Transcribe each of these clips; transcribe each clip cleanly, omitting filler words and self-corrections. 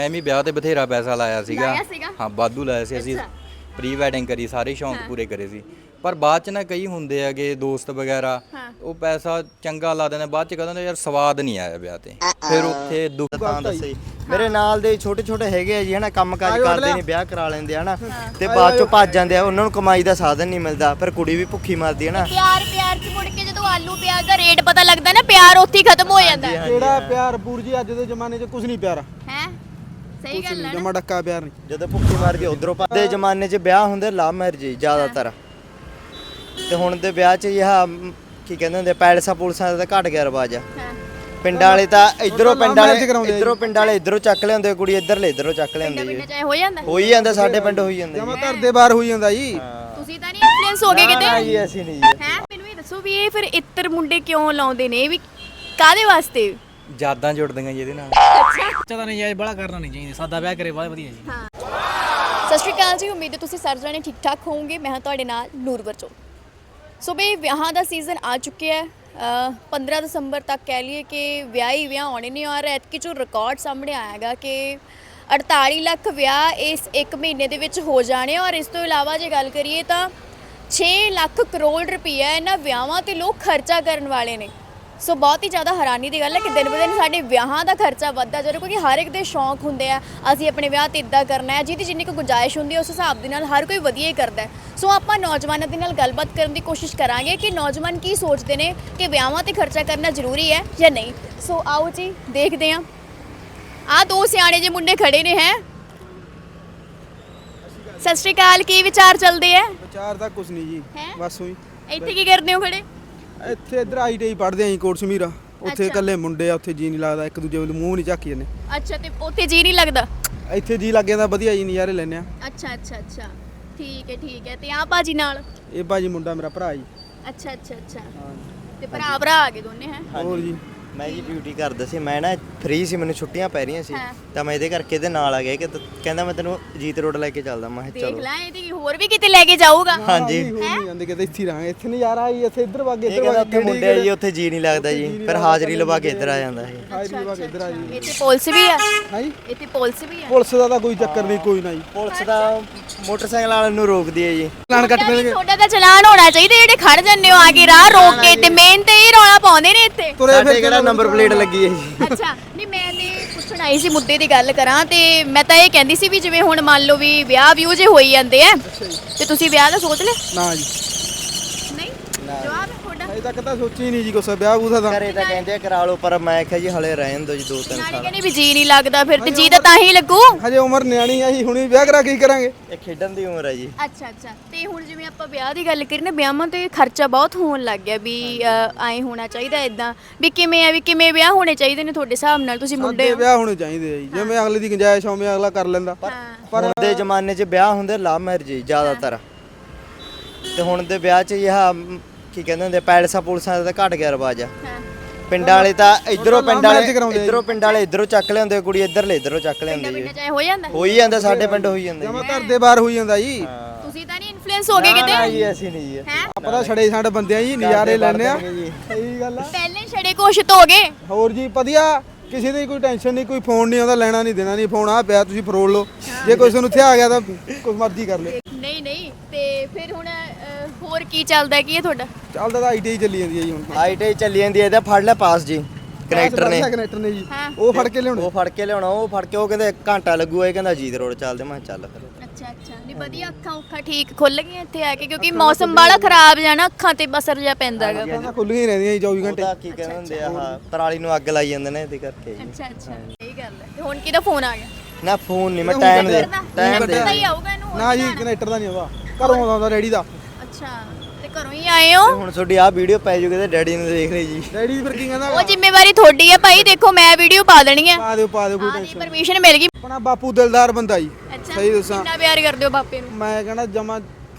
ਐਵੇਂ ਵਿਆਹ ਤੇ ਬਥੇਰਾ ਪੈਸਾ ਲਾਇਆ ਸੀਗਾ। ਲਾਇਆ ਸੀਗਾ? ਹਾਂ ਵਾਧੂ ਲਾਇਆ ਸੀ। ਅਸੀਂ ਪ੍ਰੀ ਵੈਡਿੰਗ ਕਰੀ, ਸਾਰੇ ਸ਼ੌਂਕ ਪੂਰੇ ਕਰੇ ਸੀ। ਪਰ ਬਾਅਦ ਚ ਨਾ ਕਈ ਹੁੰਦੇ ਹੈਗੇ ਦੋਸਤ ਵਗੈਰਾ, ਉਹ ਪੈਸਾ ਚੰਗਾ ਲਾ ਦਿੰਦੇ, ਬਾਅਦ ਚ ਕਹਿੰਦੇ ਯਾਰ ਸਵਾਦ ਨਹੀਂ ਆਇਆ ਵਿਆਹ ਤੇ, ਫਿਰ ਉੱਥੇ ਦੁੱਖ। ਤਾਂ ਦੱਸੇ ਮੇਰੇ ਨਾਲ ਦੇ ਛੋਟੇ ਛੋਟੇ ਹੈਗੇ ਆ ਜੀ ਹਨਾ, ਕੰਮ ਕਾਜ ਕਰਦੇ ਨੇ, ਵਿਆਹ ਕਰਾ ਲੈਂਦੇ ਹਨਾ, ਤੇ ਬਾਅਦ ਚੋਂ ਭੱਜ ਜਾਂਦੇ ਆ, ਉਹਨਾਂ ਨੂੰ ਕਮਾਈ ਦਾ ਸਾਧਨ ਨਹੀਂ ਮਿਲਦਾ, ਫਿਰ ਕੁੜੀ ਵੀ ਭੁੱਖੀ ਮਰਦੀ ਹੈ ਨਾ। ਪਿਆਰ ਚ ਮੁੜ ਕੇ ਜਦੋਂ ਆਲੂ ਪਿਆਜ਼ ਦਾ ਰੇਟ ਪਤਾ ਲੱਗਦਾ ਨਾ, ਪਿਆਰ ਉੱਥੇ ਹੀ ਖਤਮ ਹੋ ਜਾਂਦਾ ਹੈ। ਕਿਹੜਾ ਪਿਆਰ ਪੂਰ ਜੀ, ਅੱਜ ਦੇ ਜ਼ਮਾਨੇ 'ਚ ਕੁਝ ਨਹੀਂ ਪਿਆਰ ਹੈ ਸਹੀ ਗੱਲ ਹੈ। ਜਮਾ ਡੱਕਾ ਪਿਆਰ ਨਹੀਂ। ਜਦੋਂ ਭੁੱਖੀ ਮਰਦੀ ਉਧਰੋਂ ਦੇ ਜ਼ਮਾਨੇ 'ਚ ਵਿਆਹ ਹੁੰਦੇ ਲਵ ਮੈਰਿਜ ਜ਼ਿਆਦਾਤਰ, ਤੇ ਹੁਣ ਦੇ ਵਿਆਹ 'ਚ ਇਹ ਕੀ ਕਹਿੰਦੇ ਹੁੰਦੇ ਪੈਲਸਾਂ ਪੁਲਸਾਂ ਦਾ ਤਾਂ ਘਟ ਗਿਆ ਰਿਵਾਜ ਆ। ਪਿੰਡਾਂ ਵਾਲੇ ਤਾਂ ਇਧਰੋਂ ਪਿੰਡ ਵਾਲੇ ਇਧਰੋਂ ਚੱਕ ਲਿਆਉਂਦੇ, ਕੁੜੀ ਇੱਧਰਲੇ ਇਧਰੋਂ ਚੱਕ ਲਿਆਉਂਦੇ ਜੀ। ਚਾਹੇ ਹੋ ਜਾਂਦਾ, ਹੋਈ ਜਾਂਦਾ, ਸਾਡੇ ਪਿੰਡ ਹੋਈ ਜਾਂਦਾ ਜਮਾ ਘਰ ਦੇ ਬਾਹਰ ਹੋਈ ਜਾਂਦਾ ਜੀ। ਤੁਸੀਂ ਤਾਂ ਨਹੀਂ ਇਨਫਲੂਐਂਸ ਹੋ ਗਏ ਕਿਤੇ? ਨਹੀਂ ਅਸੀਂ ਨਹੀਂ ਜੀ। ਹੈ ਮੈਨੂੰ ਇਹ ਦੱਸੋ ਵੀ ਇਹ ਫਿਰ ਇੱਤਰ ਮੁੰਡੇ ਕਿਉਂ ਲਾਉਂਦੇ ਨੇ, ਵੀ ਕਾਦੇ ਵਾਸਤੇ? ਯਾਦਾਂ ਜੁੜਦੀਆਂ ਜੀ ਇਹਦੇ ਨਾਲ। ਤਾਂ ਨਹੀਂ ਜਾਏ ਬੜਾ ਕਰਨਾ ਨਹੀਂ ਚਾਹੀਦਾ, ਸਾਦਾ ਵਿਆਹ ਕਰੇ ਬਹੁਤ ਵਧੀਆ ਜੀ। ਹਾਂ ਸਤਿ ਸ਼੍ਰੀ ਅਕਾਲ ਜੀ, ਉਮੀਦ ਹੈ ਤੁਸੀਂ ਸਾਰੇ ਜਣੇ ਠੀਕ ਠਾਕ ਹੋਵੋਗੇ। ਮੈਂ ਹਾਂ ਤੁਹਾਡੇ ਨਾਲ ਨੂਰਵਰ ਚੋ। ਸੋ ਬਈ ਵਿਆਹਾਂ ਦਾ ਸੀਜ਼ਨ ਆ ਚੁੱਕਿਆ ਹੈ। 15 ਦਸੰਬਰ ਤੱਕ ਕਹਿ ਲਈਏ ਕਿ ਵਿਆਹ ਆਉਣੇ ਨਹੀਂ ਆ ਰਹੇ। ਐਤਕੀ ਜੋ ਰਿਕਾਰਡ ਸਾਹਮਣੇ ਆਇਆਗਾ ਕਿ 48 ਲੱਖ ਵਿਆਹ ਇਸ 1 ਮਹੀਨੇ ਦੇ ਵਿੱਚ ਹੋ ਜਾਣੇ, ਔਰ ਇਸ ਤੋਂ ਇਲਾਵਾ ਜੇ ਗੱਲ ਕਰੀਏ ਤਾਂ 6 ਲੱਖ ਕਰੋੜ ਰੁਪਈਆ ਇਹਨਾਂ ਵਿਆਹਾਂ ਤੇ ਲੋਕ ਖਰਚਾ ਕਰਨ ਵਾਲੇ ਨੇ। ਸੋ ਬਹੁਤ ਹੀ ਜ਼ਿਆਦਾ ਹੈਰਾਨੀ ਦੀ ਗੱਲ ਹੈ ਕਿ ਦਿਨ ਬ ਦਿਨ ਸਾਡੇ ਵਿਆਹਾਂ ਦਾ ਖਰਚਾ ਵੱਧਦਾ ਜਾ ਰਿਹਾ, ਕਿਉਂਕਿ ਹਰ ਇੱਕ ਦੇ ਸ਼ੌਂਕ ਹੁੰਦੇ ਆ, ਅਸੀਂ ਆਪਣੇ ਵਿਆਹ ਤੇ ਇੱਦਾਂ ਕਰਨਾ ਹੈ, ਜਿਹਦੀ ਜਿੰਨੀ ਕੁ ਗੁੰਜਾਇਸ਼ ਹੁੰਦੀ ਹੈ ਉਸ ਹਿਸਾਬ ਦੇ ਨਾਲ ਹਰ ਕੋਈ ਵਧੀਆ ਹੀ ਕਰਦਾ ਹੈ। ਸੋ ਆਪਾਂ ਨੌਜਵਾਨਾਂ ਦੇ ਨਾਲ ਗੱਲਬਾਤ ਕਰਨ ਦੀ ਕੋਸ਼ਿਸ਼ ਕਰਾਂਗੇ ਕਿ ਨੌਜਵਾਨ ਕੀ ਸੋਚਦੇ ਨੇ ਕਿ ਵਿਆਹਾਂ ਤੇ ਖਰਚਾ ਕਰਨਾ ਜ਼ਰੂਰੀ ਹੈ ਜਾਂ ਨਹੀਂ। ਸੋ ਆਓ ਜੀ ਦੇਖਦੇ ਹਾਂ। ਆਹ ਦੋ ਸਿਆਣੇ ਜਿਹੇ ਮੁੰਡੇ ਖੜੇ ਨੇ। ਹੈ ਸਤਿ ਸ਼੍ਰੀ ਅਕਾਲ, ਕੀ ਵਿਚਾਰ ਚੱਲਦੇ ਆ? ਵਿਚਾਰ ਤਾਂ ਕੁਝ ਨਹੀਂ ਜੀ, ਬਸ ਉਹੀ ਇੱਥੇ ਕੀ ਕਰਦੇ ਹੋ ਖੜੇ? ਇੱਥੇ ਇੱਧਰ ਆਈਟੀਆਈ ਪੜ੍ਹਦੇ ਆਂ ਜੀ, ਕੋਟ ਸਮੀਰਾ। ਉੱਥੇ ਇਕੱਲੇ ਮੁੰਡੇ ਆ, ਉੱਥੇ ਜੀ ਨਹੀਂ ਲੱਗਦਾ, ਇੱਕ ਦੂਜੇ ਵੱਲ ਮੂੰਹ ਨਹੀਂ ਝਾਕੀ ਜਾਂਦੇ। ਅੱਛਾ, ਤੇ ਉੱਥੇ ਜੀ ਨਹੀਂ ਲੱਗਦਾ? ਇੱਥੇ ਜੀ ਲੱਗ ਜਾਂਦਾ, ਵਧੀਆ ਜੀ ਨਜ਼ਾਰੇ ਲੈਂਦੇ ਆ। ਅੱਛਾ ਠੀਕ ਹੈ। ਤੇ ਆ ਭਾਜੀ ਨਾਲ? ਇਹ ਭਾਜੀ ਮੁੰਡਾ ਮੇਰਾ ਭਰਾ ਜੀ। ਅੱਛਾ ਤੇ ਭਰਾ ਆ ਗਏ ਦੋਨੇ? ਹੈ ਹੋਰ ਜੀ ਮੈਂ ਜੀ ਡਿਊਟੀ ਕਰਦਾ ਸੀ, ਮੈਂ ਨਾ ਫ੍ਰੀ ਸੀ, ਮੈਨੂੰ ਛੁੱਟੀਆਂ ਪੈ ਰਹੀਆਂ ਸੀ, ਤਾਂ ਮੈਂ ਇਹਦੇ ਕਰਕੇ ਇਹਦੇ ਨਾਲ ਆ ਗਿਆ ਕਿ ਕਹਿੰਦਾ ਮੈਂ ਤੈਨੂੰ ਜੀਤ ਰੋਡ ਲੈ ਕੇ ਚੱਲਦਾ। ਮੈਂ ਕਿਹਾ ਦੇਖ ਚਲੋ। ਲੈ, ਇਹ ਤੇ ਹੋਰ ਵੀ ਕਿਤੇ ਲੈ ਕੇ ਜਾਊਗਾ। ਹਾਂਜੀ ਹੋਰ ਨਹੀਂ ਜਾਂਦੇ ਕਿਤੇ, ਇੱਥੇ ਰਹਾਂਗੇ, ਇੱਥੇ ਨਜ਼ਾਰਾ ਆਈ, ਇੱਥੇ ਇੱਧਰ ਵਾਗੇ ਇਹ ਕਹਿੰਦਾ ਉੱਥੇ ਮੁੰਡੇ ਆ ਜੀ, ਉੱਥੇ ਜੀ ਨਹੀਂ ਲੱਗਦਾ ਜੀ, ਫਿਰ ਹਾਜ਼ਰੀ ਲਵਾ ਕੇ ਇੱਧਰ ਆ ਜਾਂਦਾ ਜੀ। ਹਾਜ਼ਰੀ ਵਾਗੇ ਇੱਧਰ ਆ ਜੀ। ਇੱਥੇ ਪੁਲਿਸ ਵੀ ਆ? ਹਾਂਜੀ ਇੱਥੇ ਪੁਲਿਸ ਵੀ ਆ? ਪੁਲਿਸ ਦਾ ਤਾਂ ਕੋਈ ਚੱਕਰ ਨਹੀਂ, ਕੋਈ ਨਾ ਜੀ। ਪੁਲਿਸ ਦਾ ਮੋਟਰਸਾਈਕਲ ਵਾਲਿਆਂ ਨੂੰ ਰੋਕਦੀ ਹੈ ਜੀ। ਚਲਾਨ ਕੱਟ ਦੇਣਗੇ। ਤੁਹਾਡਾ ਤਾਂ ਚਲਾਨ ਹੋਣਾ ਚਾਹੀਦਾ, ਜਿਹੜੇ ਖੜ ਜੰਨੇ ਹੋ ਆ ਕੇ ਰਾਹ ਰੋਕ ਕੇ, ਤੇ ਮੇਨ ਤੇ ਇਹ ਰੌਲਾ ਪਾਉਂਦੇ ਨੇ ਇੱਥੇ। ਸਾਡੇ ਕਿਹੜਾ ਨੰਬਰ ਪਲੇਟ ਲੱਗੀ ਹੈ ਜੀ। ਅੱਛਾ, ਨਹੀਂ ਮੈਂ ਤੇ ਪੁੱਛਣ ਆਈ ਸੀ, ਮੁੱਦੇ ਦੀ ਗੱਲ ਕਰਾਂ ਤੇ ਮੈਂ ਤਾਂ ਇਹ ਕਹਿੰਦੀ ਸੀ ਵੀ ਜਿਵੇਂ ਹੁਣ ਮੰਨ ਲਓ ਵੀ ਵਿਆਹ ਜੇ ਹੋਈ ਜਾਂਦੇ ਆ, ਤੇ ਤੁਸੀਂ ਵਿਆਹ ਦਾ ਸੋਚ ਲਿਆ? ਨਾ ਜੀ, ਨਹੀਂ ਜਵਾਬ ਹੈ ਤੁਹਾਡਾ? ਅਜੇ ਤੱਕ ਤਾਂ ਸੋਚੀ ਨਹੀਂ ਜੀ ਕੁਛ ਵਿਆਹ ਬੂਹ ਦਾ। ਘਰੇ ਤਾਂ ਕਹਿੰਦੇ ਆ ਕਰਾ ਲਓ, ਪਰ ਮੈਂ ਕਿਹਾ ਜੀ ਹਲੇ ਰਹਿਣ ਦਿਓ ਜੀ 2-3 ਨਾਲੇ ਸਾਲ। ਕਹਿੰਦੇ ਵੀ ਜੀ ਨਹੀਂ ਲੱਗਦਾ, ਫਿਰ ਤੇ ਜੀ ਤਾਂ ਹੀ ਲੱਗੂ। ਹਜੇ ਉਮਰ ਨਿਆਣੀ ਆ ਜੀ, ਹੁਣੀ ਵਿਆਹ ਕਰਾ ਕੀ ਕਰਾਂਗੇ। ਇਹ ਖੇਡਣ ਦੀ ਉਮਰ ਹੈ ਜੀ। ਅੱਛਾ ਤੇ ਹੁਣ ਜਿਵੇਂ ਆਪਾਂ ਵਿਆਹ ਦੀ ਗੱਲ ਕਰੀ ਨਾ, ਵਿਆਹਾਂ ਤੇ ਖਰਚਾ ਬਹੁਤ ਹੋਣ ਲੱਗ ਗਿਆ ਵੀ ਐਂ ਹੋਣਾ ਚਾਹੀਦਾ, ਇਦਾਂ ਵੀ ਕਿਵੇਂ ਆ, ਵੀ ਕਿਵੇਂ ਵਿਆਹ ਹੋਣੇ ਚਾਹੀਦੇ ਨੇ ਤੁਹਾਡੇ ਹਿਸਾਬ ਨਾਲ? ਤੁਸੀਂ ਮੁੰਡੇ ਸਾਡੇ ਵਿਆਹ ਹੋਣੇ ਚਾਹੀਦੇ ਆ ਜੀ, ਜਿਵੇਂ ਅਗਲੇ ਦੀ ਗੁੰਜਾਇਸ਼ ਹੋਵੇ ਅਗਲਾ ਕਰ ਲੈਂਦਾ। ਪਰ ਹੁਣ ਦੇ ਜ਼ਮਾਨੇ 'ਚ ਵਿਆਹ ਹੁੰਦੇ ਲਵ ਮੈਰਿਜ ਜ਼ਿਆਦਾਤਰ, ਤੇ ਹੁਣ ਦੇ ਵਿਆਹ 'ਚ ਇਹ ਕੀ ਕਹਿੰਦੇ ਹੁੰਦੇ ਪੈਲਸਾਂ ਪੁਲਸਾਂ ਦਾ ਤਾਂ ਘਟ ਗਿਆ ਰਿਵਾਜ ਆ। ਪਿੰਡਾਂ ਵਾਲੇ ਤਾਂ ਇਧਰੋਂ ਪਿੰਡ ਵਾਲੇ ਇਧਰੋਂ ਚੱਕ ਲਿਆਉਂਦੇ, ਕੁੜੀ ਇੱਧਰਲੇ ਇਧਰੋਂ ਚੱਕ ਲਿਆਉਂਦੇ ਜੀ। ਚਾਹੇ ਹੋ ਜਾਂਦਾ, ਹੋਈ ਜਾਂਦਾ, ਸਾਡੇ ਪਿੰਡ ਹੋਈ ਜਾਂਦਾ ਜਮਾ ਘਰ ਦੇ ਬਾਹਰ ਹੋਈ ਜਾਂਦਾ ਜੀ। ਤੁਸੀਂ ਤਾਂ ਨਹੀਂ ਇਨਫਲੂਐਂਸ ਹੋ ਗਏ ਕਿਤੇ? ਨਹੀਂ ਅਸੀਂ ਨਹੀਂ ਜੀ। ਆਪਾਂ ਤਾਂ ਛੜੇ ਸਾਡੇ ਬੰਦੇ ਆ ਜੀ, ਨਜ਼ਾਰੇ ਲੈਣੇ ਆ। ਸਹੀ ਗੱਲ ਆ। ਪਹਿਲੇ ਛੜੇ ਘੋਸ਼ਿਤ ਹੋ ਗਏ। ਹੋਰ ਜੀ ਵਧੀਆ, ਕਿਸੇ ਦੀ ਕੋਈ ਟੈਨਸ਼ਨ ਨਹੀਂ, ਕੋਈ ਫੋਨ ਨਹੀਂ ਆਉਂਦਾ, ਲੈਣਾ ਨਹੀਂ ਦੇਣਾ ਨਹੀਂ, ਫੋਨ ਆ ਪਿਆ ਤੁਸੀਂ ਫਰੋਲ ਲਓ, ਜੇ ਕੋਈ ਤੁਹਾਨੂੰ ਇੱਥੇ ਆ ਗਿਆ ਤਾਂ ਕੁਝ ਮਰਜ਼ੀ ਕਰ ਲੈ। ਨਹੀਂ ਤੇ ਫਿਰ ਹੁਣ ਹੋਰ ਕੀ ਚੱਲਦਾ, ਕੀ ਹੈ ਤੁਹਾਡਾ? ਚੱਲਦਾ ਤਾਂ ਆਈਟੀਆਈ ਚੱਲੀ ਜਾਂਦੀ ਹੈ ਜੀ ਹੁਣ। ਆਈਟੀ ਚੱਲੀ ਜਾਂਦੀ ਹੈ, ਇਹਦਾ ਫੜ ਲੈ ਪਾਸ ਜੀ ਕਨੈਕਟਰ ਨੇ ਜੀ, ਉਹ ਫੜ ਕੇ ਲਿਆਉਣਾ। ਉਹ ਫੜ ਕੇ ਉਹ ਕਹਿੰਦੇ ਘੰਟਾ ਲੱਗੂਗਾ, ਇਹ ਕਹਿੰਦਾ ਜੀਤ ਰੋਡ ਚੱਲਦੇ। ਮੈਂ ਚੱਲ ਫਿਰ। ਅੱਛਾ ਨਹੀਂ ਵਧੀਆ, ਅੱਖਾਂ ਠੀਕ ਖੁੱਲ ਗਈਆਂ ਇੱਥੇ ਆ ਕੇ, ਕਿਉਂਕਿ ਮੌਸਮ ਬੜਾ ਖਰਾਬ ਜਾਣਾ, ਅੱਖਾਂ ਤੇ ਬਸਰ ਜਾ ਪੈਂਦਾ ਹੈਗਾ। ਤਾਂ ਖੁੱਲੀਆਂ ਹੀ ਰਹਿੰਦੀਆਂ ਜੀ 24 ਘੰਟੇ। ਉਹਦਾ ਕੀ ਕਹਿੰਦੇ ਹੁੰਦੇ ਆ, ਪਰਾਲੀ ਨੂੰ ਅੱਗ ਲਾਈ ਜਾਂਦੇ ਨੇ ਇਹਦੇ ਕਰਕੇ ਜੀ। ਅੱਛਾ ਸਹੀ ਗੱਲ ਹੈ। ਤੇ ਹੁਣ ਕਿਹਦਾ ਫੋਨ ਆ ਗਿਆ? ਨਾ ਫੋਨ ਨਹੀਂ, ਮੈਂ ਟਾਈਮ ਦੇ ਦਾ ਹੀ ਆਊਗਾ ਇਹਨੂੰ। ਨਾ ਜੀ ਕਨੈਕਟਰ ਦਾ ਨਹੀਂ ਆਉਂਦਾ, ਘਰੋਂ ਆਉਂਦਾ ਰੈਡੀ ਦਾ। ਅੱਛਾ, ਤੇ ਘਰੋਂ ਹੀ ਆਏ ਹੋ? ਹੁਣ ਤੁਹਾਡੀ ਆਹ ਵੀਡੀਓ ਪੈ ਜੂਗੀ ਤੇ ਡੈਡੀ ਨੂੰ ਦੇਖ ਲਈ ਜੀ। ਡੈਡੀ ਫਿਰ ਕੀ ਕਹਿੰਦਾ? ਉਹ ਜ਼ਿੰਮੇਵਾਰੀ ਤੁਹਾਡੀ ਹੈ ਭਾਈ, ਦੇਖੋ ਮੈਂ ਵੀਡੀਓ ਪਾ ਦੇਣੀ ਹੈ। ਪਾ ਦਿਓ ਕੋਈ ਦੀ ਟੈਨਸ਼ਨ। ਪਰਮਿਸ਼ਨ ਮਿਲ ਗਈ। ਆਪਣਾ ਬਾਪੂ ਦਿਲਦਾਰ ਬੰਦਾ ਜੀ, ਅੱਛਾ, ਸਹੀ ਦੱਸਾਂ ਕਿੰਨਾ ਪਿਆਰ ਕਰਦੇ ਹੋ ਬਾਪੇ ਨੂੰ? ਮੈਂ ਕਹਿੰਦਾ ਜਮਾ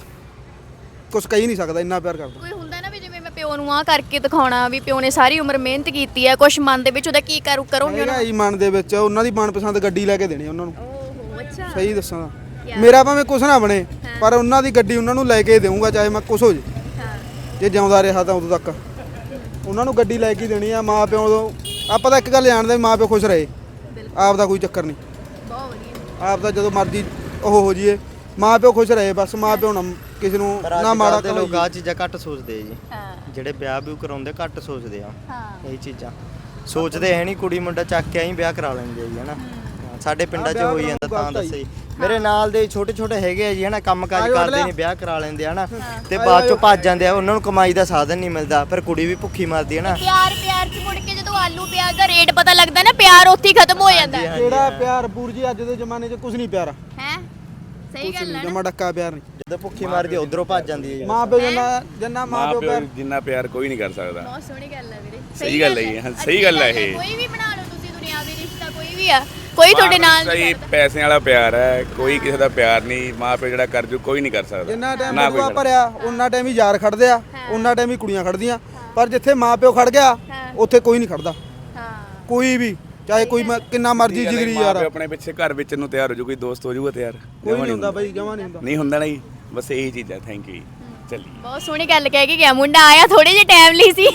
ਕੁਛ ਕਹਿ ਨਹੀਂ ਸਕਦਾ, ਇੰਨਾ ਪਿਆਰ ਕਰਦਾ। ਕੋਈ ਹੁੰਦਾ ਨਾ ਵੀ ਜਿਵੇਂ ਮੈਂ ਪਿਓ ਨੂੰ ਆ ਕਰਕੇ ਦਿਖਾਉਣਾ, ਵੀ ਪਿਓ ਨੇ ਸਾਰੀ ਉਮਰ ਮਿਹਨਤ ਕੀਤੀ ਹੈ, ਕੁਛ ਮਨ ਦੇ ਵਿੱਚ ਉਹਦਾ ਕੀ ਕਰੋਗੇ? ਹੈਗਾ ਜੀ ਮਨ ਦੇ ਵਿੱਚ, ਉਹਨਾਂ ਦੀ ਮਨਪਸੰਦ ਗੱਡੀ ਲੈ ਕੇ ਦੇਣੀ ਉਹਨਾਂ ਨੂੰ। ਓਹੋ ਅੱਛਾ, ਸਹੀ ਦੱਸਾਂ, ਮੇਰਾ ਭਾਵੇਂ ਕੁਛ ਨਾ ਬਣੇ, ਪਰ ਉਹਨਾਂ ਦੀ ਗੱਡੀ ਉਹਨਾਂ ਨੂੰ ਲੈ ਕੇ ਦੇਵਾਂਗਾ, ਚਾਹੇ ਮੈਂ ਕੁਛ ਹੋ ਜੇ। ਜੇ ਜਿਉਂਦਾ ਰਿਹਾ ਤਾਂ ਉਦੋਂ ਤੱਕ ਉਹਨਾਂ ਨੂੰ ਗੱਡੀ ਲੈ ਕੇ ਦੇਣੀ ਆ। ਮਾਂ ਪਿਓ ਤੋਂ ਆਪਾਂ ਤਾਂ ਇੱਕ ਗੱਲ ਜਾਣਦੇ, ਮਾਂ ਪਿਓ ਖੁਸ਼ ਰਹੇ, ਆਪ ਦਾ ਕੋਈ ਚੱਕਰ ਨਹੀਂ। ਬਹੁਤ ਵਧੀਆ। ਆਪ ਤਾਂ ਜਦੋਂ ਮਰਜ਼ੀ ਉਹ ਹੋ ਜੀਏ, ਮਾਂ ਪਿਓ ਖੁਸ਼ ਰਹੇ ਬਸ, ਮਾਂ ਪਿਓ ਨਾ ਕਿਸੇ ਨੂੰ ਨਾ ਮਾੜਾ ਦੇ ਲੋਕ ਕਹੋ। ਆ ਚੀਜ਼ਾਂ ਘੱਟ ਸੋਚਦੇ ਆ ਜੀ, ਹਾਂ ਜਿਹੜੇ ਵਿਆਹ ਵੀ ਕਰਾਉਂਦੇ ਘੱਟ ਸੋਚਦੇ ਆ ਹਾਂ ਇਹ ਚੀਜ਼ਾਂ, ਸੋਚਦੇ ਹੈ ਨਹੀਂ, ਕੁੜੀ ਮੁੰਡਾ ਚੱਕ ਕੇ ਆਈ ਵਿਆਹ ਕਰਾ ਲੈਂਦੇ ਆ ਜੀ ਹਨਾ। ਸਾਡੇ ਪਿੰਡਾਂ 'ਚ ਵਿਆਹ ਹੋਈ ਜਾਂਦਾ ਕਰਾਉਣ ਤਾਂ ਗਲਤ ਆ ਦੱਸੇ ਮੇਰੇ ਨਾਲ ਦੇ ਛੋਟੇ ਛੋਟੇ ਹੈਗੇ ਆ ਜੀ ਹਨਾ, ਕੰਮ ਕਾਜ ਆਜੋ ਕਰਦੇ ਅਗਲਾ। ਨੇ, ਵਿਆਹ ਕਰਾ ਲੈਂਦੇ ਆ ਹਨਾ, ਤੇ ਬਾਅਦ ਚੋਂ ਭੱਜ ਜਾਂਦੇ ਆ, ਉਹਨਾਂ ਨੂੰ ਕਮਾਈ ਦਾ ਸਾਧਨ ਨਹੀਂ ਮਿਲਦਾ, ਫਿਰ ਕੁੜੀ ਵੀ ਭੁੱਖੀ ਮਰਦੀ ਹੈ ਨਾ। ਪਿਆਰ ਚ ਮੁੜ ਕੇ ਜਦੋਂ ਆਲੂ ਪਿਆਜ਼ ਦਾ ਰੇਟ ਪਤਾ ਲੱਗਦਾ ਨਾ, ਪਿਆਰ ਉੱਥੇ ਹੀ ਖਤਮ ਹੋ ਜਾਂਦਾ ਹੈ। ਕਿਹੜਾ ਪਿਆਰ ਪੂਰ ਜੀ, ਅੱਜ ਦੇ ਜ਼ਮਾਨੇ 'ਚ ਕੁਝ ਨਹੀਂ ਪਿਆਰਾ, ਹੈ ਸਹੀ ਕੁਝ ਗੱਲ ਨਹੀਂ ਹੈ ਨਾ। ਜਮਾ ਡੱਕਾ ਪਿਆਰ ਨਹੀਂ। ਜਦੋਂ ਭੁੱਖੀ ਮਰਦੀ ਉਧਰੋਂ ਭੱਜ ਜਾਂਦੀ ਹੈ ਜੀ। ਮਾਂ ਪਿਓ ਜਿੰਨਾ ਮਾਂ ਪਿਓ ਪਿਆਰ ਜਿੰਨਾ ਪਿਆਰ ਕੋਈ ਨਹੀਂ ਕਰ ਸਕਦਾ। ਬਹੁਤ ਸੋਹਣੀ ਗੱਲ ਹੈ ਵੀਰੇ। ਸਹੀ ਗੱਲ ਹੈ ਇਹ, ਸਹੀ ਗੱਲ ਹੈ ਇਹ। ਕੋਈ ਵੀ ਬਣਾ ਲਓ ਤੁਸੀਂ ਦੁਨਿਆਵੀ ਰਿਸ਼ਤਾ, ਕੋਈ ਵੀ ਆ, ਕੋਈ ਤੁਹਾਡੇ ਨਾਲ ਨਹੀਂ ਸਹੀ ਕਰਦਾ। ਪੈਸੇ ਵਾਲਾ ਪਿਆਰ ਹੈ, ਕੋਈ ਕਿਸੇ ਦਾ ਪਿਆਰ ਨਹੀਂ। ਮਾਂ ਪਿਓ ਜਿਹੜਾ ਕਰ ਜੂ ਕੋਈ ਨਹੀਂ ਕਰ ਸਕਦਾ। ਜਿੰਨਾ ਟਾਈਮ ਨਾ ਕੋਈ ਬਦੂਆ ਕਰ- ਭਰਿਆ ਉਹਨਾਂ ਟਾਈਮ ਹੀ ਯਾਰ ਖੜਦੇ ਆ, ਉਹਨਾਂ ਟਾਈਮ ਹੀ ਕੁੜੀਆਂ ਖੜਦੀਆਂ, ਪਰ ਜਿੱਥੇ ਮਾਂ ਪਿਓ ਖੜ ਗਿਆ ਉੱਥੇ ਕੋਈ ਨਹੀਂ ਖੜਦਾ, ਹਾਂ ਕੋਈ ਵੀ, ਚਾਹੇ ਕੋਈ ਕਿੰਨਾ ਮਰਜ਼ੀ ਜਿਗਰੀ ਮਾਂ ਯਾਰ ਪਿਓ ਆਪਣੇ ਪਿੱਛੇ ਘਰ ਵਿੱਚ ਨੂੰ ਤਿਆਰ ਹੋ ਜੂ, ਕੋਈ ਦੋਸਤ ਹੋ ਜੂਗਾ ਤਿਆਰ। ਕੋਈ ਨਹੀਂ ਹੁੰਦਾ ਬਾਈ, ਜਮਾ ਨਹੀਂ ਹੁੰਦਾ। ਨਹੀਂ ਹੁੰਦਾ ਨਾ ਜੀ, ਬਸ ਇਹੀ ਚੀਜ਼ ਹੈ। ਥੈਂਕ ਯੂ ਜੀ, ਚੱਲੀਏ। ਬਹੁਤ ਸੋਹਣੀ ਗੱਲ ਕਹਿ ਕੇ ਗਿਆ ਮੁੰਡਾ, ਆਇਆ ਥੋੜੇ ਜਿਹੇ ਟਾਈਮ ਲਈ ਸੀ।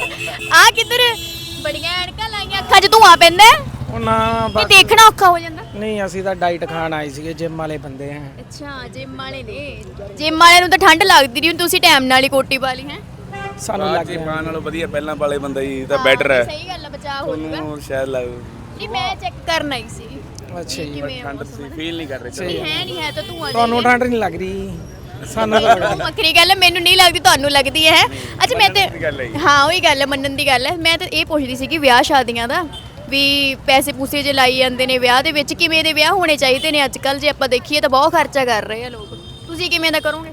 ਆ ਕਿੱਧਰ ਬੜੀਆਂ ਐਨਕਾਂ ਲਾਈਆਂ, ਅੱਖਾਂ 'ਚ ਧੂਆਂ ਪੈਂਦਾ ਹੈ? ਉਹ ਨਾ ਇਹ ਦੇਖਣਾ ਔਖਾ ਹੋ ਜਾਂਦਾ। ਨਹੀਂ, ਅਸੀਂ ਤਾਂ ਡਾਈਟ ਖਾਣ ਆਏ ਸੀਗੇ, ਜਿਮ ਵਾਲੇ ਬੰਦੇ ਆ। ਅੱਛਾ ਜਿਮ ਵਾਲੇ ਨੇ, ਜਿਮ ਵਾਲਿਆਂ ਨੂੰ ਤਾਂ ਠੰਡ ਲੱਗਦੀ ਰਹੀ, ਤੁਸੀਂ ਟਾਈਮ ਨਾਲ ਹੀ ਕੋਟੀ ਪਾ ਲਈ ਹੈ। ਸਾਨੂੰ ਲੱਗ ਜੀ ਗਿਆ ਪਾਣ ਨਾਲੋਂ ਵਧੀਆ ਪਹਿਲਾਂ ਵਾਲੇ ਬੰਦਾ ਜੀ ਤਾਂ ਬੈਟਰ ਹੈ। ਸਹੀ ਗੱਲ ਹੈ, ਬਚਾਅ ਹੋ ਜਾਊਗਾ। ਤੁਹਾਨੂੰ ਸ਼ਾਇਦ ਲੱਗ ਨਹੀਂ ਮੈਂ ਚੈੱਕ ਕਰਨਾ ਹੀ ਸੀ ਅੱਛਾ ਜੀ। ਕਿਵੇਂ ਆ ਠੰਡ ਤੁਸੀਂ ਫੀਲ ਨਹੀਂ ਕਰ ਰਹੇ। ਨਹੀਂ ਹੈ ਨਹੀਂ ਹੈ ਤਾਂ ਧੂਆਂ ਤੁਹਾਨੂੰ ਠੰਡ ਨਹੀਂ ਲੱਗ ਰਹੀ, ਸਾਨੂੰ ਤਾਂ ਉਹ ਵੱਖਰੀ ਗੱਲ ਹੈ, ਮੈਨੂੰ ਨਹੀਂ ਲੱਗਦੀ, ਤੁਹਾਨੂੰ ਲੱਗਦੀ ਹੈ। ਅੱਛਾ ਮੈਂ ਤੇ ਦੀ ਗੱਲ ਹੈ ਜੀ। ਹਾਂ ਉਹੀ ਗੱਲ ਹੈ, ਮੰਨਣ ਦੀ ਗੱਲ ਹੈ। ਮੈਂ ਤਾਂ ਇਹ ਪੁੱਛਦੀ ਸੀ ਕਿ ਵਿਆਹ ਸ਼ਾਦੀਆਂ ਦਾ ਵੀ ਪੈਸੇ ਪੂਸੇ ਜੇ ਲਾਈ ਜਾਂਦੇ ਨੇ ਵਿਆਹ ਦੇ ਵਿੱਚ, ਕਿਵੇਂ ਦੇ ਵਿਆਹ ਹੋਣੇ ਚਾਹੀਦੇ ਨੇ ਅੱਜ ਕੱਲ? ਜੇ ਆਪਾਂ ਦੇਖੀਏ ਤਾਂ ਬਹੁਤ ਖਰਚਾ ਕਰ ਰਹੇ ਆ ਲੋਕ, ਤੁਸੀਂ ਕਿਵੇਂ ਦਾ ਕਰੋਗੇ?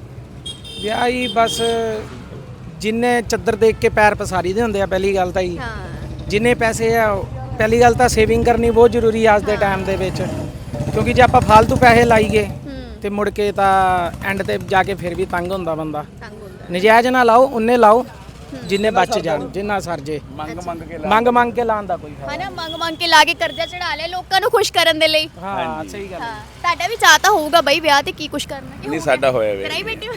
ਵਿਆਹ ਹੀ ਬਸ ਜਿੰਨੇ ਚੱਦਰ ਦੇਖ ਕੇ ਪੈਰ ਪਸਾਰੀ ਦੇ ਹੁੰਦੇ ਆ, ਪਹਿਲੀ ਗੱਲ ਤਾਂ ਹੀ। ਹਾਂ ਜਿੰਨੇ ਪੈਸੇ ਆ, ਪਹਿਲੀ ਗੱਲ ਤਾਂ ਸੇਵਿੰਗ ਕਰਨੀ ਬਹੁਤ ਜ਼ਰੂਰੀ ਆ ਅੱਜ ਦੇ ਟਾਈਮ ਦੇ ਵਿੱਚ, ਕਿਉਂਕਿ ਜੇ ਆਪਾਂ ਫालतू ਪੈਸੇ ਲਾਈਏ ਤੇ ਮੁੜ ਕੇ ਤਾਂ ਐਂਡ ਤੇ ਜਾ ਕੇ ਫਿਰ ਵੀ ਤੰਗ ਹੁੰਦਾ ਬੰਦਾ। ਤੰਗ ਹੁੰਦਾ। ਨਜਾਇਜ਼ ਨਾ ਲਾਓ, ਉਹਨੇ ਲਾਓ ਜਿੰਨੇ ਬਚ ਜਾਣ, ਜਿੰਨਾ ਸਰ ਜੇ। ਮੰਗ ਕੇ ਲਾਉਣ ਦਾ ਕੋਈ ਫਾਇਦਾ ਹਨਾ, ਮੰਗ ਕੇ ਲਾ ਕੇ ਕਰਜ਼ਾ ਚੜਾ ਲਿਆ ਲੋਕਾਂ ਨੂੰ ਖੁਸ਼ ਕਰਨ ਦੇ ਲਈ। ਹਾਂ ਸਹੀ ਗੱਲ। ਹਾਂ ਤੁਹਾਡਾ ਵੀ ਚਾਹ ਤਾਂ ਹੋਊਗਾ ਬਈ ਵਿਆਹ ਤੇ ਕੀ ਕੁਛ ਕਰਨਾ ਕਿ ਨਹੀਂ ਸਾਡਾ ਹੋਇਆ ਵੇ, ਕਰਾਈ ਬੈਠੇ ਹੋ?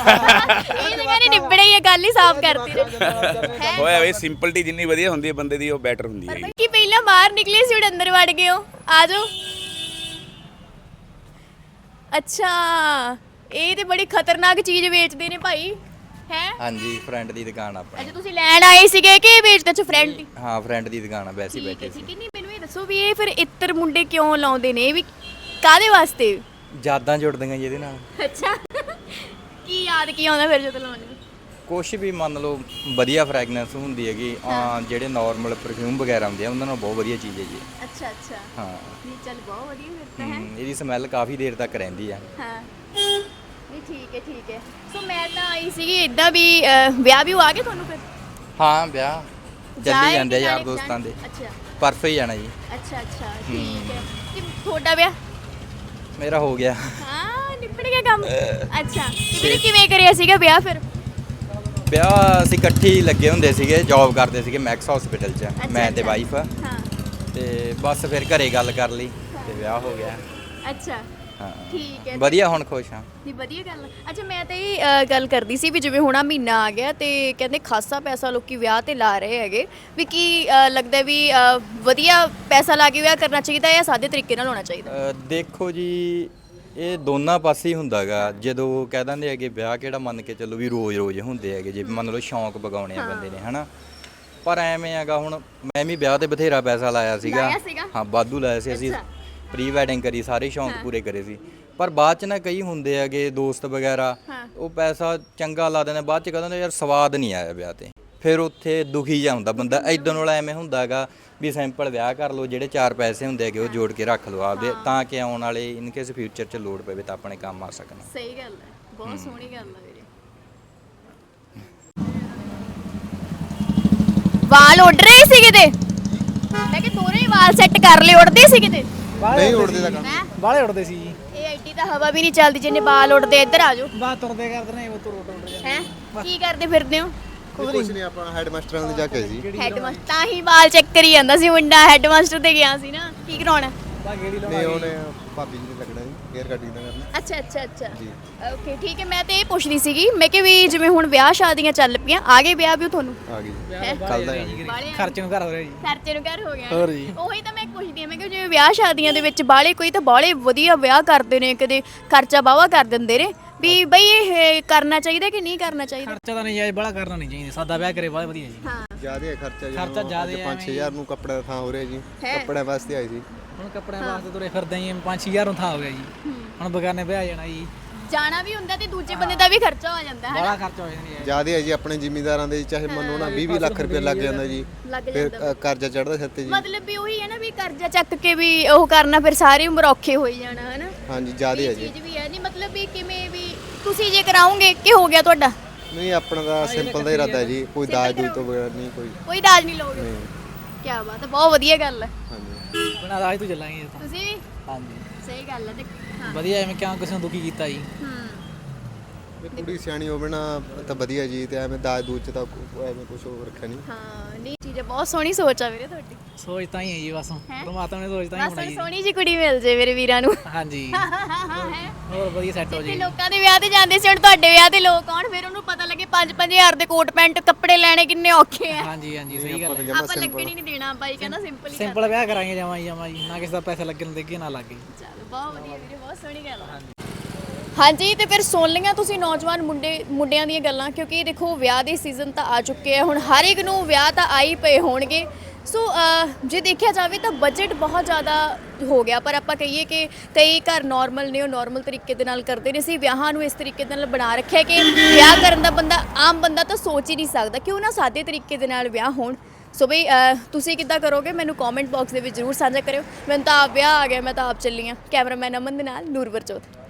ਇਹ ਤਾਂ ਕਹਿੰਦੇ ਨਿਬੜੇ ਹੀ, ਇਹ ਗੱਲ ਹੀ ਸਾਫ਼ ਕਰਤੀ ਹੈ। ਹੋਇਆ ਵੇ। ਸਿੰਪਲਟੀ ਜਿੰਨੀ ਵਧੀਆ ਹੁੰਦੀ ਹੈ ਬੰਦੇ ਦੀ, ਉਹ ਬੈਟਰ ਹੁੰਦੀ ਹੈ ਜੀ। ਕਿ ਪਹਿਲਾਂ ਬਾਹਰ ਨਿਕਲੇ ਸੀ, ਹੁਣ ਅੰਦਰ ਵੜ ਗਏ ਹੋ, ਆ ਜਾਓ। ਅੱਛਾ ਇਹ ਤੇ ਬੜੀ ਖਤਰਨਾਕ ਚੀਜ਼ ਵੇਚਦੇ ਨੇ ਭਾਈ, ਹੈ? ਹਾਂਜੀ, ਫਰੈਂਡ ਦੀ ਦੁਕਾਨ ਆਪਣੀ। ਅੱਛਾ ਤੁਸੀਂ ਲੈਣ ਆਏ ਸੀਗੇ ਕਿ ਵੇਚਦੇ? ਅੱਛਾ ਫਰੈਂਡ ਦੀ। ਹਾਂ, ਫਰੈਂਡ ਦੀ ਦੁਕਾਨ ਆ, ਵੈਸੇ ਹੀ ਬੈਠੇ ਸੀ। ਠੀਕ ਹੈ, ਨਹੀਂ ਮੈਨੂੰ ਇਹ ਦੱਸੋ ਵੀ ਇਹ ਫਿਰ ਇੱਤਰ ਮੁੰਡੇ ਕਿਉਂ ਲਾਉਂਦੇ ਨੇ, ਇਹ ਵੀ ਕਾਹਦੇ ਵਾਸਤੇ? ਯਾਦਾਂ ਜੁੜਦੀਆਂ ਜੀ ਇਹਦੇ ਨਾਲ। ਅੱਛਾ ਕੀ ਯਾਦ ਕੀ ਆਉਂਦਾ ਫਿਰ ਜਦੋਂ ਲਾਉਂਦੇ? ਕੁਛ ਵੀ ਮੰਨ ਲਓ, ਵਧੀਆ ਫ੍ਰੈਗਨੈਂਸ ਹੁੰਦੀ ਹੈਗੀ। ਜਿਹੜੇ ਨਾਰਮਲ ਪਰਫਿਊਮ ਵਗੈਰਾ ਹੁੰਦੇ ਆ, ਉਹਨਾਂ ਨਾਲ ਬਹੁਤ ਵਧੀਆ ਚੀਜ਼ ਹੈ ਜੀ। ਅੱਛਾ ਅੱਛਾ ਹਾਂ। ਨਹੀਂ ਚੱਲ ਬਹੁਤ ਵਧੀਆ ਫਿਰ ਤਾਂ ਹੈ। ਇਹਦੀ ਸਮੈਲ ਕਾਫੀ ਦੇਰ ਤੱਕ ਰਹਿੰਦੀ ਆ। ਹਾਂ ਨਹੀਂ ਠੀਕ ਹੈ ਠੀਕ ਹੈ। ਸੋ ਮੈਂ ਤਾਂ ਆਈ ਸੀਗੀ ਇਦਾਂ ਵੀ ਵਿਆਹ ਵੀ ਆ ਗਏ ਤੁਹਾਨੂੰ ਫਿਰ? ਹਾਂ, ਵਿਆਹ ਚੱਲੀ ਜਾਂਦੇ ਆ ਯਾਰ ਜਾਣੇ ਦੋਸਤਾਂ ਦੇ। ਅੱਛਾ ਪਰਸੋਂ ਹੀ ਜਾਣਾ ਜੀ। ਅੱਛਾ ਅੱਛਾ ਠੀਕ ਹੈ। ਕਿ ਤੁਹਾਡਾ ਵਿਆਹ? ਮੇਰਾ ਹੋ ਗਿਆ। ਹਾਂ ਨਿਬੜ ਗਿਆ ਕੰਮ। ਅੱਛਾ ਤੇ ਵੀਰੇ ਕਿਵੇਂ ਕਰਿਆ ਸੀਗਾ ਵਿਆਹ ਫਿਰ? ਵਿਆਹ ਅਸੀਂ ਇਕੱਠੇ ਹੀ ਲੱਗੇ ਹੁੰਦੇ ਸੀਗੇ, ਜੌਬ ਕਰਦੇ ਸੀਗੇ ਮੈਕਸ ਹਸਪੀਟਲ 'ਚ, ਮੈਂ ਤੇ ਵਾਈਫ। ਹਾਂ ਤੇ ਬਸ ਫਿਰ ਘਰੇ ਗੱਲ ਕਰ ਲਈ ਤੇ ਵਿਆਹ ਹੋ ਗਿਆ। ਅੱਛਾ ਹਾਂ ਠੀਕ ਹੈ। ਵਧੀਆ, ਹੁਣ ਖੁਸ਼ ਹਾਂ। ਨਹੀਂ ਵਧੀਆ ਗੱਲ ਆ। ਅੱਛਾ ਮੈਂ ਤਾਂ ਇਹ ਗੱਲ ਕਰਦੀ ਸੀ ਵੀ ਜਿਵੇਂ ਹੁਣ ਆਹ ਮਹੀਨਾ ਆ ਗਿਆ ਤੇ ਕਹਿੰਦੇ ਖਾਸਾ ਪੈਸਾ ਲੋਕੀ ਵਿਆਹ ਤੇ ਲਾ ਰਹੇ ਹੈਗੇ, ਵੀ ਕੀ ਲੱਗਦਾ ਵੀ ਵਧੀਆ ਪੈਸਾ ਲਾ ਕੇ ਵਿਆਹ ਕਰਨਾ ਚਾਹੀਦਾ ਜਾਂ ਸਾਦੇ ਤਰੀਕੇ ਨਾਲ ਹੋਣਾ ਚਾਹੀਦਾ? ਦੇਖੋ ਜੀ, ਇਹ ਦੋਨਾਂ ਪਾਸੇ ਹੀ ਹੁੰਦਾਗਾ। ਜਦੋਂ ਕਹਿ ਦਿੰਦੇ ਹੈਗੇ ਵਿਆਹ ਕਿਹੜਾ ਮੰਨ ਕੇ ਚੱਲੋ ਵੀ ਰੋਜ਼-ਰੋਜ਼ ਹੁੰਦੇ ਹੈਗੇ, ਜੇ ਮੰਨ ਲਓ ਸ਼ੌਂਕ ਬਗਾਉਣੇ ਆ ਬੰਦੇ ਨੇ, ਹਨਾ। ਪਰ ਐਵੇਂ ਹੈਗਾ, ਹੁਣ ਮੈਂ ਵੀ ਵਿਆਹ ਤੇ ਬਥੇਰਾ ਪੈਸਾ ਲਾਇਆ ਸੀਗਾ। ਹਾਂ, ਵਾਧੂ ਲਾਇਆ ਸੀ ਅਸੀਂ। ਪ੍ਰੀ ਵੈਡਿੰਗ ਕਰੀ, ਸਾਰੇ ਸ਼ੌਂਕ ਪੂਰੇ ਕਰੇ ਸੀ। ਪਰ ਬਾਅਦ ਚ ਨਾ ਕਈ ਹੁੰਦੇ ਹੈਗੇ ਦੋਸਤ ਵਗੈਰਾ, ਉਹ ਪੈਸਾ ਚੰਗਾ ਲਾ ਦਿੰਦੇ, ਬਾਅਦ ਚ ਕਹਿੰਦੇ ਨੇ ਯਾਰ ਸਵਾਦ ਨਹੀਂ ਆਇਆ ਵਿਆਹ ਤੇ, ਫਿਰ ਉੱਥੇ ਦੁਖੀ ਜਿਹਾ ਹੁੰਦਾ ਬੰਦਾ। ਇਦਾਂ ਨਾਲ ਐਵੇਂ ਹੁੰਦਾ ਹੈਗਾ ਵੀ ਸਿੰਪਲ ਵਿਆਹ ਕਰ ਲਓ, ਜਿਹੜੇ 4 ਪੈਸੇ ਹੁੰਦੇ ਹੈਗੇ ਉਹ ਜੋੜ ਕੇ ਰੱਖ ਲਓ ਆਪਦੇ, ਤਾਂ ਕਿ ਆਉਣ ਵਾਲੇ ਇਨ ਕੇਸ ਫਿਊਚਰ 'ਚ ਲੋੜ ਪਵੇ ਤਾਂ ਆਪਣੇ ਕੰਮ ਆ ਸਕਣ। ਸਹੀ ਗੱਲ ਹੈ, ਬਹੁਤ ਸੋਹਣੀ ਗੱਲ ਹੈ ਵੀਰੇ। ਵਾਲ ਉੱਡ ਰਹੇ ਸੀ ਕਿਤੇ? ਮੈਂ ਕਿ ਦੋਨੇ ਹੀ ਵਾਲ ਸੈੱਟ ਕਰ ਲਏ, ਉੱਡਦੇ ਸੀ ਕਿਤੇ? ਨਹੀਂ ਉੜਦੇ ਦਾ ਕੰਮ। ਹੈਂ? ਬਾਹਲੇ ਉੜਦੇ ਸੀ ਜੀ। ਇਹ ਐਡੀ ਤਾਂ ਹਵਾ ਵੀ ਨਹੀਂ ਚੱਲਦੀ ਜਿੰਨੇ ਵਾਲ ਉੱਡਦੇ। ਇੱਧਰ ਆ ਜਾਓ। ਬਾਹਰ ਤੁਰਦੇ ਕਰਦੇ ਨੇ, ਉਹ ਤੁਰ ਉੱਡ ਜਾਂਦੇ। ਹੈ ਕੀ ਕਰਦੇ ਫਿਰਦੇ ਹੋ? ਕੁਝ ਨਹੀਂ, ਆਪਣਾ ਹੈਡ ਮਾਸਟਰਾਂ ਦੇ ਜਾ ਕੇ ਜੀ। ਹੈਡਮਾਸਟਰ ਤਾਂ ਹੀ ਵਾਲ ਚੈੱਕ ਕਰੀ ਜਾਂਦਾ ਸੀ ਮੁੰਡਾ, ਹੈਡਮਾਸਟਰ ਤੇ ਗਿਆ ਸੀ ਨਾ। ਕੀ ਕਰਾਉਣਾ? ਨਹੀਂ ਉਹਨੇ ਭਾਬੀ ਜੀ ਨੇ ਲੱਗਣਾ ਜੀ ਹੇਅਰ ਕਟਿੰਗ ਦਾ ਕਰਨਾ ਅੱਛਾ ਅੱਛਾ ਅੱਛਾ ਜੀ। ਓਕੇ ਠੀਕ ਹੈ। ਮੈਂ ਤੇ ਇਹ ਪੁੱਛਦੀ ਸੀਗੀ ਮੈਂ ਕਿ ਵੀ ਜਿਵੇਂ ਹੁਣ ਵਿਆਹ ਸ਼ਾਦੀਆਂ ਚੱਲ ਪਈਆਂ ਆ ਗਏ ਵਿਆਹ ਵੀ ਤੁਹਾਨੂੰ ਆ ਗਈ ਹੈਂ? ਕੱਲ ਦਾ ਆ ਗਈ ਖਰਚ ਨੂੰ ਘਰ ਹੋ ਰਿਹਾ ਜੀ ਖਰਚੇ ਨੂੰ ਘਰ ਹੋ ਗਿਆ ਹੋਰ ਜੀ। ਉਹੀ ਤਾਂ ਮੈਂ ਪੁੱਛਦੀ ਆ ਮੈਂ ਕਿ ਜਿਵੇਂ ਵਿਆਹ ਸ਼ਾਦੀਆਂ ਦੇ ਵਿੱਚ ਬਾਲੇ ਕੋਈ ਤਾਂ ਬਾਲੇ ਵਧੀਆ ਵਿਆਹ ਕਰਦੇ ਨੇ ਕਦੇ ਖਰਚਾ ਬਾਵਾ ਕਰ ਦਿੰਦੇ ਨੇ ਵੀ ਬਈ ਇਹ ਕਰਨਾ ਚਾਹੀਦਾ ਕਿ ਨਹੀਂ ਕਰਨਾ ਚਾਹੀਦਾ। ਖਰਚਾ ਤਾਂ ਨਹੀਂ ਜਾਇਜ਼ ਬੜਾ ਕਰਨਾ ਨਹੀਂ ਚਾਹੀਦਾ ਸਾਦਾ ਵਿਆਹ ਕਰੇ ਬਹੁਤ ਵਧੀਆ ਜੀ ਹਾਂ ਜ਼ਿਆਦਾ ਹੈ ਖਰਚਾ ਜੀ ਖਰਚਾ ਜ਼ਿਆਦਾ ਹੈ 5-6000 ਨੂੰ ਕੱਪੜਾ ਦਾ ਥਾਂ ਹੋ ਰਿਹਾ ਜੀ ਹੈ। ਕੱਪੜਿਆਂ ਵਾਸਤੇ ਆਈ ਸੀ ਹੁਣ ਕੱਪੜਿਆਂ ਵਾਸਤੇ ਤੁਰੇ ਫਿਰਦੇ ਜੀ 5-6000 ਨੂੰ ਥਾਂ ਹੋ ਗਿਆ ਜੀ ਹੁਣ ਬਗਾਨੇ ਵਿਆਹ ਜਾਣਾ ਜੀ ਜਾਣਾ ਵੀ ਹੁੰਦਾ ਤੇ ਦੂਜੇ ਬੰਦੇ ਦਾ ਵੀ ਖਰਚਾ ਹੋ ਜਾਂਦਾ ਹੈ ਬੜਾ ਖਰਚਾ ਹੋ ਜਾਂਦਾ ਜੀ ਜ਼ਿਆਦਾ ਹੈ ਜੀ ਆਪਣੇ ਜ਼ਿਮੀਂਦਾਰਾਂ ਦੇ ਚਾਹੇ ਮੰਨੋ ਨਾ 20-20 ਲੱਖ ਰੁਪਏ ਲੱਗ ਜਾਂਦਾ ਜੀ ਲੱਗ ਫਿਰ ਜਾਂਦਾ ਕਰਜ਼ਾ ਚੜਦਾ ਸਿਰ ਤੇ ਜੀ ਮਤਲਬ ਵੀ ਉਹੀ ਹੈ ਨਾ ਵੀ ਕਰਜ਼ਾ ਚੱਕ ਕੇ ਵੀ ਉਹ ਕਰਨਾ ਫਿਰ ਸਾਰੀ ਉਮਰ ਔਖੇ ਹੋਈ ਜਾਣਾ ਹੈ ਨਾ ਹਾਂਜੀ ਜ਼ਿਆਦਾ ਹੈ ਇਹ ਜੀ ਚੀਜ਼ ਵੀ ਹੈ ਨਹੀਂ ਮਤਲਬ ਵੀ ਕਿਵੇਂ ਵੀ ਤੁਸੀਂ ਜੇ ਕਰਾਉਂਗੇ ਕੀ ਹੋ ਗਿਆ ਤੁਹਾਡਾ ਨਹੀਂ ਆਪਣਾ ਤਾਂ ਸਿੰਪਲ ਦਾ ਇਰਾਦਾ ਹੈ ਜੀ ਕੋਈ ਦਾਜ ਦੂਜ ਤੋਂ ਬਗੈਰ ਨਹੀਂ ਕੋਈ ਦਾਜ ਨਹੀਂ ਲਓਗੇ ਨਹੀਂ ਕੀ ਬਾਤ ਹੈ ਬਹੁਤ ਵਧੀਆ ਗੱਲ ਹੈ ਹਾਂਜੀ ਬਣਾ ਰਾਜ ਤੋਂ ਚੱਲਾਂਗੇ ਇਹ ਤਾਂ ਤੁਸੀਂ ਵੀ ਹਾਂਜੀ ਸਹੀ ਗੱਲ ਹੈ ਤੇ ਹਾਂ ਵਧੀਆ ਐਵੇਂ ਕਿਉਂ ਕਿਸੇ ਨੂੰ ਦੁਖੀ ਕੀਤਾ ਜੀ ਹੂੰ ਇਹ ਕੁੜੀ ਸਿਆਣੀ ਹੋਵੇ ਨਾ ਤਾਂ ਵਧੀਆ ਜੀ ਤੇ ਐਵੇਂ ਦਾਜ ਦੂਜ ਚ ਤਾਂ ਐਵੇਂ ਕੁਝ ਹੋਰ ਰੱਖਿਆ ਨਹੀਂ ਹਾਂ ਨਹੀਂ ਚੀਜ਼ ਬਹੁਤ ਸੋਹਣੀ ਸੋਚ ਆ ਵੀਰੇ ਤੁਹਾਡੀ ਸੋਚ ਤਾਂ ਹੀ ਹੈ ਜੀ ਬਸ ਹੈਂ? ਪਰਮਾਤਮਾ ਨੇ ਸੋਚ ਤਾਂ ਹੀ ਬਸ ਬਣਾਈ ਸੋਹਣੀ ਜੀ ਕੁੜੀ ਮਿਲ ਜੇ ਮੇਰੇ ਵੀਰਾਂ ਨੂੰ ਹਾਂਜੀ ਹੈ ਹੋਰ ਵਧੀਆ ਸੈੱਟ ਹੋ ਜਿੱਥੇ ਜੀ ਲੋਕਾਂ ਦੇ ਵਿਆਹ ਤੇ ਜਾਂਦੇ ਸੀ ਹੁਣ ਤੁਹਾਡੇ ਵਿਆਹ ਤੇ ਲੋਕ ਆਉਣ ਫਿਰ ਉਹਨੂੰ ਪਤਾ ਲੱਗੇ 5-5000 ਦੇ ਕੋਟ ਪੈਂਟ ਕੱਪੜੇ ਲੈਣੇ ਕਿੰਨੇ ਔਖੇ ਆ ਹਾਂਜੀ ਹਾਂਜੀ ਸਹੀ ਗੱਲ ਹੈ ਆਪਾਂ ਲੱਗਣ ਹੀ ਨਹੀਂ ਦੇਣਾ ਬਾਈ ਕਹਿੰਦਾ ਸਿੰਪਲ ਹੀ ਸਿੰਪਲ ਵਿਆਹ ਕਰਾਂਗੇ ਜਾਵਾਂ ਜੀ ਨਾ ਕਿਸੇ ਦਾ ਪੈਸਾ ਲੱਗਣ ਦੇਗੇ ਨਾ ਲੱਗੇ ਚੱਲ ਬਹੁਤ ਵਧੀਆ ਵੀਰੇ ਬਹੁਤ ਸੋਹਣੀ ਗੱਲ ਆ ਹਾਂਜੀ ਤੇ ਫਿਰ ਸੁਣ ਲਈਆਂ ਤੁਸੀਂ ਨੌਜਵਾਨ ਮੁੰਡਿਆਂ ਦੀਆਂ ਗੱਲਾਂ ਕਿਉਂਕਿ ਦੇਖੋ ਵਿਆਹ ਦੇ ਸੀਜ਼ਨ ਤਾਂ ਆ ਚੁੱਕੇ ਆ ਹੁਣ ਹਰ ਇੱਕ ਨੂੰ ਵਿਆਹ ਤਾਂ ਆ ਹੀ ਪਏ ਹੋਣਗੇ ਸੋ ਜੇ ਦੇਖਿਆ ਜਾਵੇ ਤਾਂ ਬਜਟ ਬਹੁਤ ਜ਼ਿਆਦਾ ਹੋ ਗਿਆ ਪਰ ਆਪਾਂ ਕਹੀਏ ਕਿ ਕਈ ਘਰ ਨਾਰਮਲ ਨੇ ਉਹ ਨਾਰਮਲ ਤਰੀਕੇ ਦੇ ਨਾਲ ਕਰਦੇ ਨੇ ਅਸੀਂ ਵਿਆਹਾਂ ਨੂੰ ਇਸ ਤਰੀਕੇ ਦੇ ਨਾਲ ਬਣਾ ਰੱਖਿਆ ਕਿ ਵਿਆਹ ਕਰਨ ਦਾ ਬੰਦਾ ਆਮ ਬੰਦਾ ਤਾਂ ਸੋਚ ਹੀ ਨਹੀਂ ਸਕਦਾ ਕਿਉਂ ਨਾ ਸਾਦੇ ਤਰੀਕੇ ਦੇ ਨਾਲ ਵਿਆਹ ਹੋਣ ਸੋ ਬਈ ਤੁਸੀਂ ਕਿੱਦਾਂ ਕਰੋਗੇ ਮੈਨੂੰ ਕਮੈਂਟ ਬਾਕਸ ਦੇ ਵਿੱਚ ਜ਼ਰੂਰ ਸਾਂਝਾ ਕਰਿਓ ਮੈਨੂੰ ਤਾਂ ਆਪ ਵਿਆਹ ਆ ਗਿਆ ਮੈਂ ਤਾਂ ਆਪ ਚੱਲੀ ਹਾਂ ਕੈਮਰਾਮੈਨ ਅਮਨ ਦੇ ਨਾਲ ਨੂਰਵਰ ਚੌਥ